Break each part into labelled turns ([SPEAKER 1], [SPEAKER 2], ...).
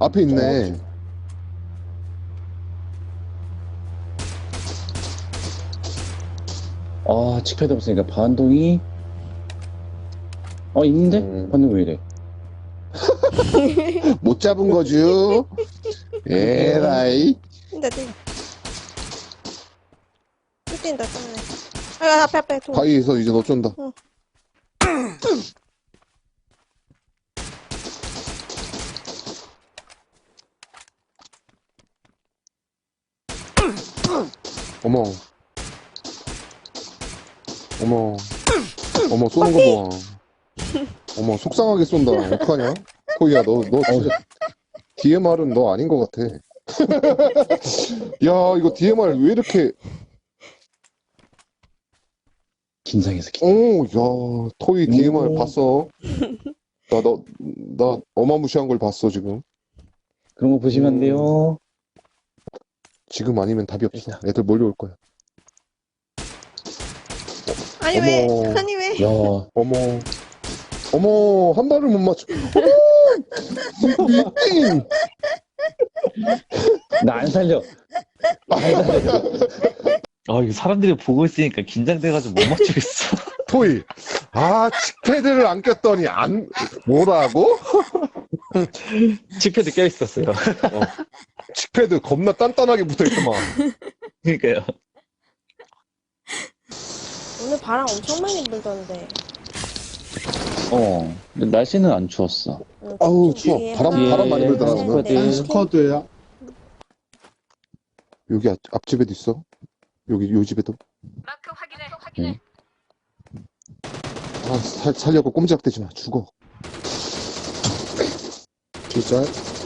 [SPEAKER 1] 앞에 있네.
[SPEAKER 2] 아, 칙패드 없으니까 반동이. 있는데? 반동 왜 이래?
[SPEAKER 1] 못 잡은 거죠? 에라이.
[SPEAKER 3] 뛴다. 또 뛴다. 아, 앞에 도.
[SPEAKER 1] 바위에서 이제 너 쫀다.
[SPEAKER 3] 응.
[SPEAKER 1] 어머. 어머. 어머, 쏘는 거 봐. 어머, 속상하게 쏜다. 어떡하냐? 코이야, 너 진짜. DMR은 너 아닌 것 같아. 야, 이거 DMR 왜 이렇게.
[SPEAKER 2] 긴장해서
[SPEAKER 1] 오, 야, 토이 DMR 봤어? 나 어마무시한 걸 봤어, 지금.
[SPEAKER 2] 그런 거 보시면 안 돼요.
[SPEAKER 1] 지금 아니면 답이 없어. 애들 몰려올 거야.
[SPEAKER 3] 아니
[SPEAKER 1] 어머.
[SPEAKER 3] 왜? 아니 왜?
[SPEAKER 2] 야,
[SPEAKER 1] 어머, 한 발을 못 맞춰. 어머! 미팅!
[SPEAKER 2] 나 안 살려.
[SPEAKER 4] 이거 사람들이 보고 있으니까 긴장돼가지고 못 맞추겠어.
[SPEAKER 1] 토이. 아, 칙패드를 안 꼈더니 뭐라고?
[SPEAKER 4] 칙패드 껴있었어요.
[SPEAKER 1] 칙패드 겁나 단단하게 붙어있더만.
[SPEAKER 4] 그러니까요.
[SPEAKER 3] 오늘 바람 엄청 많이 불던데.
[SPEAKER 2] 근데 날씨는 안 추웠어.
[SPEAKER 3] 응,
[SPEAKER 1] 아우,
[SPEAKER 3] 좀
[SPEAKER 1] 추워.
[SPEAKER 3] 뒤에
[SPEAKER 1] 바람 많이 불더라, 오늘.
[SPEAKER 2] 스쿼드.
[SPEAKER 5] 스쿼드야.
[SPEAKER 1] 여기 앞집에도 있어. 요 집에도.
[SPEAKER 6] 마크 확인해.
[SPEAKER 1] 아, 살려고 꼼짝대지 마. 죽어.
[SPEAKER 5] 기절.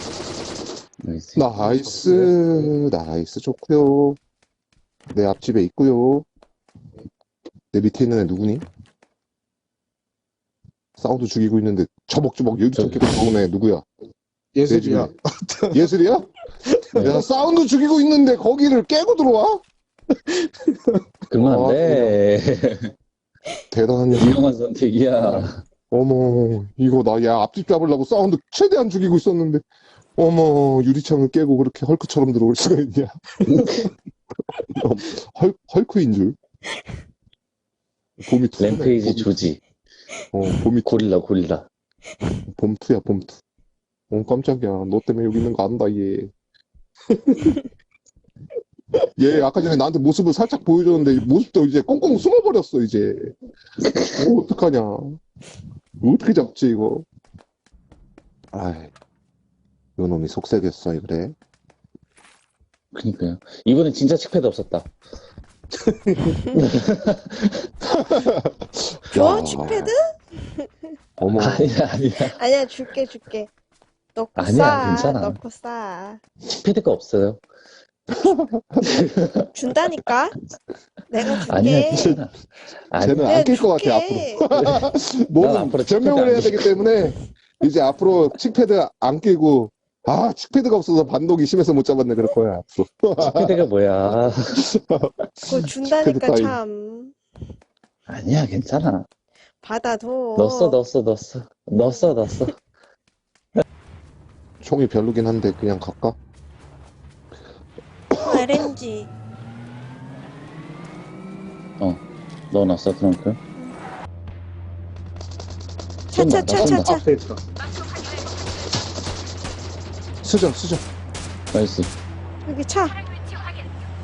[SPEAKER 1] 나이스 좋고요. 내 앞집에 있고요. 내 밑에 있는 애 누구니? 사운드 죽이고 있는데 처벅처벅 유리창 깨고 들어오는 애 누구야?
[SPEAKER 5] 예술이야.
[SPEAKER 1] 예술이야? 야, 사운드 죽이고 있는데 거기를 깨고 들어와?
[SPEAKER 2] 그러면 안 돼.
[SPEAKER 1] 대단한
[SPEAKER 2] 유용한 선택이야.
[SPEAKER 1] 어머, 이거 야, 앞집 잡으려고 사운드 최대한 죽이고 있었는데, 어머, 유리창을 깨고 그렇게 헐크처럼 들어올 수가 있냐? 헐크인 줄. 봄이 투네.
[SPEAKER 2] 램페이지 조지.
[SPEAKER 1] 봄이
[SPEAKER 2] 고릴라.
[SPEAKER 1] 봄투야, 봄투. 깜짝이야. 너 때문에 여기 있는 거 안다, 얘. 얘 아까 전에 나한테 모습을 살짝 보여줬는데, 모습도 이제 꽁꽁 숨어버렸어, 이제. 어떡하냐. 어떻게 잡지, 이거? 아이, 요 놈이 속색이었어, 그래.
[SPEAKER 2] 그니까요. 이번엔 진짜 칙패드 없었다.
[SPEAKER 3] 줘?
[SPEAKER 1] 야.
[SPEAKER 3] 칙패드?
[SPEAKER 1] 어머,
[SPEAKER 2] 아니야.
[SPEAKER 3] 아니야, 줄게. 넣고
[SPEAKER 2] 아니야,
[SPEAKER 3] 싸.
[SPEAKER 2] 괜찮아.
[SPEAKER 3] 넣고 싸.
[SPEAKER 2] 칙패드가 없어요.
[SPEAKER 3] 준다니까? 내가 줄게.
[SPEAKER 2] 아니야, 괜찮아.
[SPEAKER 1] 쟤는 안 낄 것 같아, 앞으로.
[SPEAKER 2] 난
[SPEAKER 1] 뭐는
[SPEAKER 2] 앞으로
[SPEAKER 1] 변명을
[SPEAKER 2] 칙패드
[SPEAKER 1] 해야
[SPEAKER 2] 안
[SPEAKER 1] 되기 때문에, 이제 앞으로 칙패드 안 끼고, 아, 칙패드가 없어서 반동이 심해서 못 잡았네, 그럴 거야, 앞으로.
[SPEAKER 2] 칙패드가 뭐야.
[SPEAKER 3] 그거 준다니까
[SPEAKER 1] 칙패드 따위.
[SPEAKER 3] 참.
[SPEAKER 2] 아니야, 괜찮아.
[SPEAKER 3] 받아둬.
[SPEAKER 2] 넣었어.
[SPEAKER 1] 총이 별로긴 한데, 그냥 갈까?
[SPEAKER 3] RNG.
[SPEAKER 2] 넣어놨어, 트렁크.
[SPEAKER 3] 차.
[SPEAKER 5] 앞에 있다.
[SPEAKER 1] 수정.
[SPEAKER 2] 나이스.
[SPEAKER 3] 여기 차.
[SPEAKER 6] 위치 확인.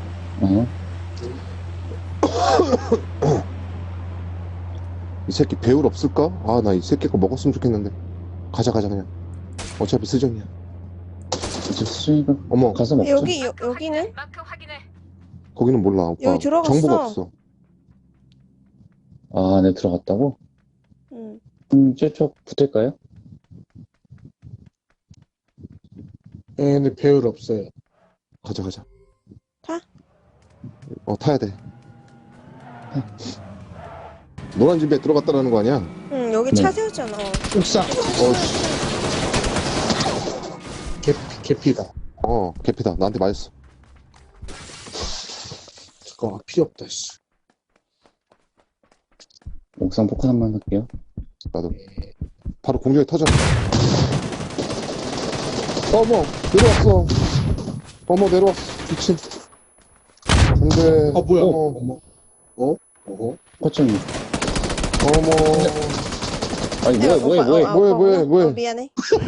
[SPEAKER 1] 이 새끼 배울 없을까? 아, 나 이 새끼 거 먹었으면 좋겠는데. 가자, 그냥. 어차피 수정이야.
[SPEAKER 2] 이제 수준이가
[SPEAKER 1] 어머,
[SPEAKER 2] 가서 먹자.
[SPEAKER 3] 여기는?
[SPEAKER 6] 마크 확인해.
[SPEAKER 1] 거기는 몰라, 오빠.
[SPEAKER 3] 여기 들어갔어.
[SPEAKER 1] 정보가 없어.
[SPEAKER 2] 아, 네, 들어갔다고?
[SPEAKER 3] 응.
[SPEAKER 2] 저쪽 붙을까요?
[SPEAKER 5] 얘네 배울 없어요.
[SPEAKER 1] 가자.
[SPEAKER 3] 타?
[SPEAKER 1] 타야 돼. 노란 집에 들어갔다라는 거 아니야?
[SPEAKER 3] 응, 여기
[SPEAKER 2] 네.
[SPEAKER 3] 차 세웠잖아.
[SPEAKER 5] 옥상.
[SPEAKER 1] 어씨.
[SPEAKER 5] 개피다.
[SPEAKER 1] 개피다. 나한테 맞았어.
[SPEAKER 5] 잠깐만, 필요 없다, 씨.
[SPEAKER 2] 옥상 포카 한번 할게요.
[SPEAKER 1] 나도. 바로 공중에 터져. 어머, 내려왔어. 어머, 내려왔어. 미친. 안 돼.
[SPEAKER 5] 아, 뭐야.
[SPEAKER 1] 어머,
[SPEAKER 2] 거점이.
[SPEAKER 1] 어머.
[SPEAKER 2] 아니, 뭐해.
[SPEAKER 3] 미안해.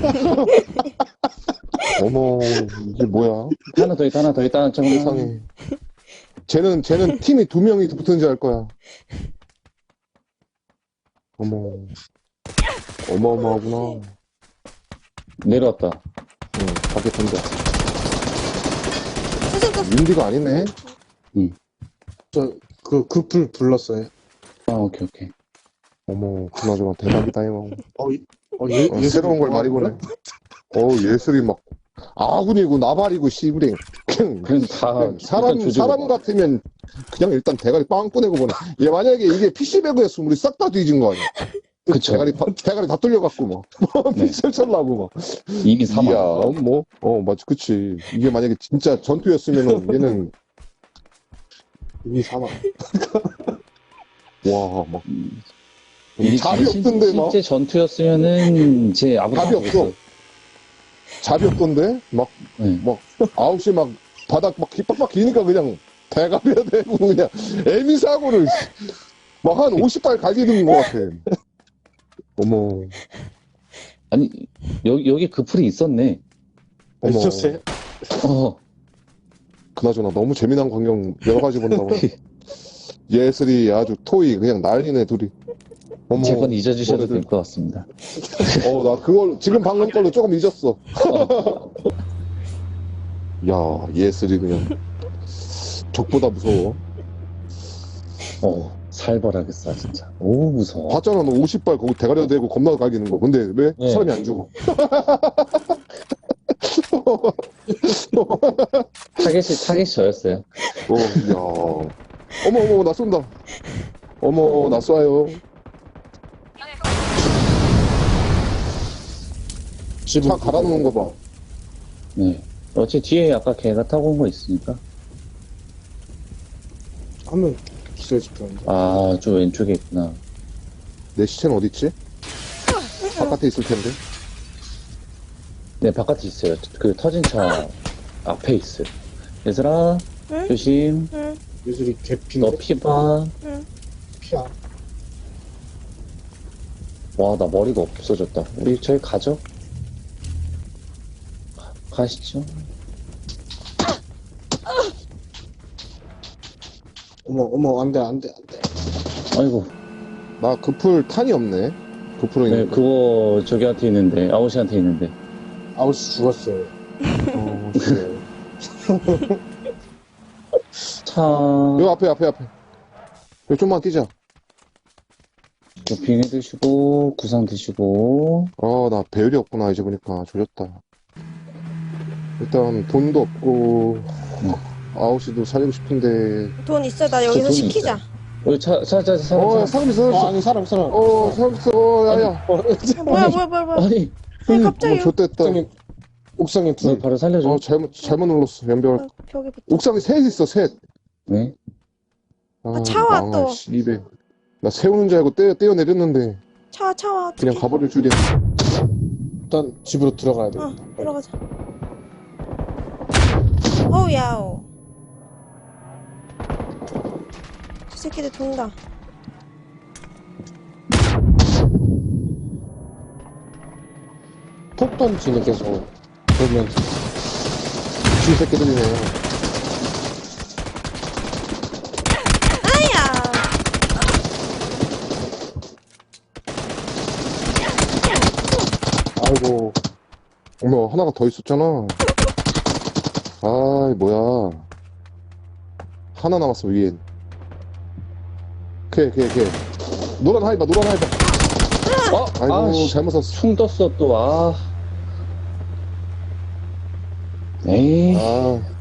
[SPEAKER 1] 어머, 이게 뭐야?
[SPEAKER 2] 하나 더 있다. 잠깐만.
[SPEAKER 1] 세상에. 쟤는 팀이 2명이 붙은지 알 거야. 어머. 어마어마하구나.
[SPEAKER 2] 내려왔다.
[SPEAKER 1] 응, 밖에 던져.
[SPEAKER 3] 수습
[SPEAKER 1] 윤디가 아니네?
[SPEAKER 5] 그풀 불렀어요.
[SPEAKER 2] 아, 오케이.
[SPEAKER 1] 어머, 그나저나 대박이다, 이거. 새로운 걸 많이 보네. 예술이 막, 아군이고, 나발이고, 씨부랭.
[SPEAKER 2] 그냥 다,
[SPEAKER 1] 사람 같으면, 그냥 일단 대가리 빵 꺼내고 보내. 얘 만약에 이게 PC배그였으면 우리 싹 다 뒤진 거 아니야?
[SPEAKER 2] 그쵸.
[SPEAKER 1] 대가리 다 뚫려갖고, 막.
[SPEAKER 2] 네.
[SPEAKER 1] 펼쳐려고, 막.
[SPEAKER 2] 이미 사망.
[SPEAKER 1] 이야, 뭐, 맞지, 그치. 이게 만약에 진짜 전투였으면은, 얘는,
[SPEAKER 5] 이미 사망.
[SPEAKER 1] 와, 막.
[SPEAKER 2] 이게
[SPEAKER 1] 잡이 없던데, 막.
[SPEAKER 2] 실제 전투였으면은, 제 아무도
[SPEAKER 1] 답이
[SPEAKER 2] 모르겠어.
[SPEAKER 1] 없어. 잡이 없던데? 막,
[SPEAKER 2] 네.
[SPEAKER 1] 9시 막, 바닥 막 빡빡 기니까 그냥, 대가리가 되고, 그냥, 애미사고를, 막 한 50발 갈기는 것 같아. 어머,
[SPEAKER 2] 아니, 여기 그 풀이 있었네.
[SPEAKER 1] 어머.
[SPEAKER 5] 있었어요?
[SPEAKER 1] 그나저나 너무 재미난 광경 여러 가지 본다고. 예슬이 아주 토이 그냥 난리네, 둘이. 어머.
[SPEAKER 2] 제 건 잊어주셔도
[SPEAKER 1] 너네들.
[SPEAKER 2] 될 것 같습니다.
[SPEAKER 1] 나 그걸, 지금 방금 걸로 조금 잊었어. 야, 예슬이 그냥, 적보다 무서워.
[SPEAKER 2] 살벌하게 쏴, 진짜. 오, 무서워.
[SPEAKER 1] 봤잖아, 너 50발 거기 대가리에 대고 겁나 갈기는 거. 근데 왜?
[SPEAKER 2] 네.
[SPEAKER 1] 사람이 안 죽어.
[SPEAKER 2] 타겟이 저였어요.
[SPEAKER 1] 야. 어머, 나 쏜다. 어머, 나 쏴요. 차 갈아놓은 거 봐.
[SPEAKER 2] 네. 어차피 뒤에 아까 걔가 타고 온 거 있으니까.
[SPEAKER 5] 하면 기절 집혔는데.
[SPEAKER 2] 아, 저 왼쪽에 있구나.
[SPEAKER 1] 내 시체는 어딨지? 바깥에 있을 텐데.
[SPEAKER 2] 네, 바깥에 있어요. 그 터진 차 앞에 있어요. 얘들아,
[SPEAKER 3] 응?
[SPEAKER 2] 조심.
[SPEAKER 3] 응.
[SPEAKER 5] 예술이 개피인데.
[SPEAKER 2] 너 피 봐.
[SPEAKER 5] 피야.
[SPEAKER 2] 와, 나 머리가 없어졌다. 우리 저희 가죠? 가시죠.
[SPEAKER 5] 어머, 안 돼.
[SPEAKER 2] 아이고,
[SPEAKER 1] 나 그 풀 탄이 없네. 그 풀은
[SPEAKER 2] 네,
[SPEAKER 1] 있는데.
[SPEAKER 2] 그거 저기한테 있는데, 아웃이한테 있는데.
[SPEAKER 5] 아웃이 죽었어요.
[SPEAKER 1] 그래.
[SPEAKER 2] 차,
[SPEAKER 1] 여기 앞에. 여기 좀만 뛰자.
[SPEAKER 2] 도핑해 드시고, 구상 드시고.
[SPEAKER 1] 나 배율이 없구나. 이제 보니까 조졌다. 일단 돈도 없고, 아웃이도 살리고 싶은데.
[SPEAKER 3] 돈 있어. 나 여기서
[SPEAKER 2] 돈
[SPEAKER 3] 시키자.
[SPEAKER 2] 여기 사람.
[SPEAKER 1] 사람 있어.
[SPEAKER 5] 아니, 사람.
[SPEAKER 1] 사람 있어. 야야.
[SPEAKER 3] 뭐야.
[SPEAKER 2] 아니,
[SPEAKER 3] 아니, 갑자기.
[SPEAKER 1] 좆됐다.
[SPEAKER 5] 옥상에
[SPEAKER 2] 너
[SPEAKER 5] 둘.
[SPEAKER 2] 바로 살려줘.
[SPEAKER 1] 잘못 눌렀어. 연결.
[SPEAKER 3] 벽에 붙어.
[SPEAKER 1] 옥상에 셋 있어, 셋.
[SPEAKER 2] 네?
[SPEAKER 3] 차 와, 또.
[SPEAKER 1] 씨발. 나 세우는 줄 알고 떼어 내렸는데,
[SPEAKER 3] 차 와.
[SPEAKER 1] 그냥 가버릴 줄이야.
[SPEAKER 5] 일단 집으로 들어가야 돼.
[SPEAKER 3] 들어가자. 어우, 야오. 저 새끼들 돈다.
[SPEAKER 5] 폭 던지네, 계속. 그러면서.
[SPEAKER 1] 쥐 새끼들이네.
[SPEAKER 3] 아야!
[SPEAKER 1] 아이고. 어머, 하나가 더 있었잖아. 아이, 뭐야. 하나 남았어, 위엔. 걔. 노란 하이바. 아이고,
[SPEAKER 2] 아씨,
[SPEAKER 1] 잘못 샀어.
[SPEAKER 2] 충 떴어, 또, 아. 에이.
[SPEAKER 1] 아,